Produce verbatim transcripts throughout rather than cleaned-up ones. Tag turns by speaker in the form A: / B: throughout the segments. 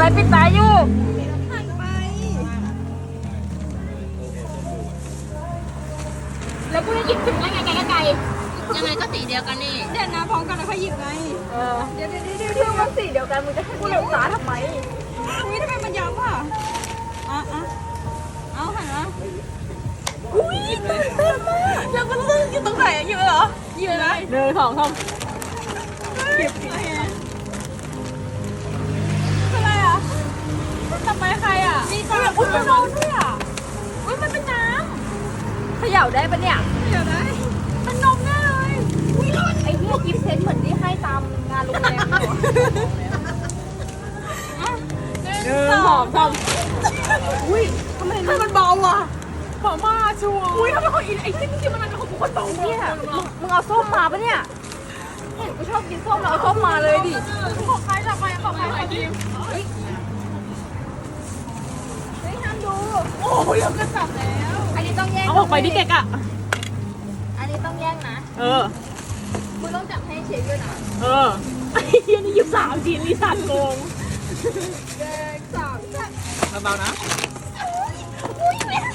A: ปิดตาอยู่
B: หันไป
A: แล้วกูจะหยิบถึงได้ไงไกลไกล
C: ยังไงก็สีเดียวกันนี่
B: เดี๋ยวนะพร้อมกันแล้วค่อยหยิบไง
A: เออ
B: เดี๋ยวเดี๋ยวเดี๋ยว
A: เรื่องมันสีเดียวกันมึงจะให้กูหลงตาทำไม
B: อุ้ยทำไมมันย้ำอ่ะอ่ะอ่ะเอาหันมา
A: อุ้ยตื่นเต้นมากแล้วมันลึกอยู่ตรงไหนหยิบเหรอหยิบเลยหนึ่งสองสาม
B: หยิบอะไรอ่ะทำไมใครอ่ะ
A: นี่ตาอุ้ยมันร้อนด้วยอ่ะอุ้ยมันเป็นน้ำเขย่าได้ปะเนี่ย
B: เดี๋ยวนะ
A: มันนมแน่เลยอุ้ยร้อนไอ้เนี่ยกิฟต์เซตเหมือนที่ให้ตามงานโรงแรมเลยหนึ่งสองสามอุ้ยทำไมมันเบาอ่ะเบามากชัวร์อุ้ยทำไมคนอินไอ้ที่จริงมันเป็นของคนเบาเนี่ยมึงเอาส้มมาปะเนี่ยเห็นกูชอบกินส้มแล้วเอาส้มมาเลยดิ
B: ของใครละใครของใครของทีม
A: เฮ้ยเฮ้ยห้ามดู
B: โอ้ยเราก็จับแล้ว
A: อันนี้ต้องแย่ง
C: เอาออกไปดิเก๊กอ่ะ
A: อันนี้ต้องแย่งนะ
C: เออ
A: มึงต้องจับให้เชฟด้วยนะ
C: เออไอ้เหี้ยนี่ยิบสามจีนนี่สัตว์โกง
A: แย่งสามจับ
C: เบาๆนะ
A: อุ้ยแม่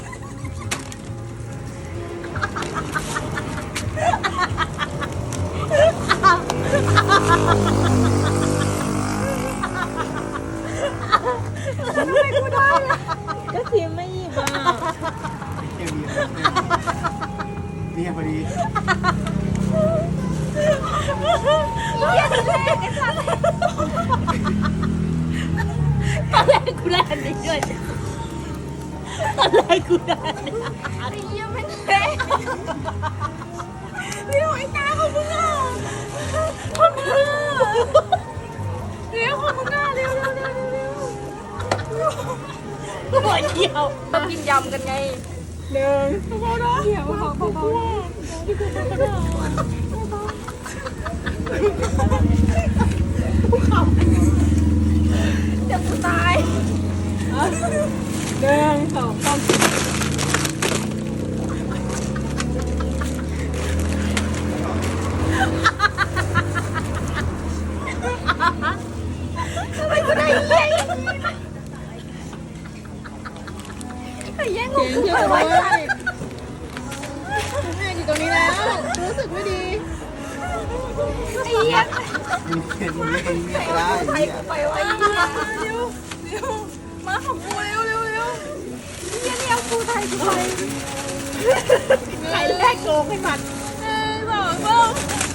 A: ทำไมกูได้อะ
C: ก็ทีมไม่หยิบอ่ะ
D: เนี่ยพอดี
A: เยี่ยมเลยไอ้สัตว์
C: ตอนแรกกูได้อันนี้ด้วยตอนแรกกูได้
A: ไอ้เยี่ยมไม่เละเร็วไอ้ตาของมึงอ่ะของมึงอ่ะเร็วของมึงอ่ะเร็วเร็วเร็วเร็ว
C: หัวเดียว
A: ต้องกินยำกันไง
C: หนึ่ง
B: เบาๆนะเดี๋ยวเบาๆเบาๆที่กูไม่ได้
A: เดี๋ยวกูตาย
C: หนึ่งสองสาม
A: ทำไมกูได้แย่งไอ้แย่งของกูไปไว้
C: แม่อยู่ตรงนี้แล้วรู้สึกไม่ดี
A: ไอ้เหี้ย
D: มีเห็นมีเห็นมีได้
A: ใคร
D: เนี่ย
A: กูไปไว้เร็วเร็วเร็วมาของกูเร็วเร็วเร็วเหี้ยนี่เอากูไทยกูไป
C: ใครแรกโกงให้มัน
A: เอ้ยบอกบอก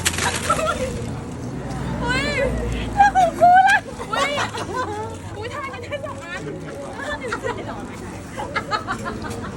A: อุ้ยแล้วของกูล่ะอุ้ยอุ้ยทายกันได้สองอัน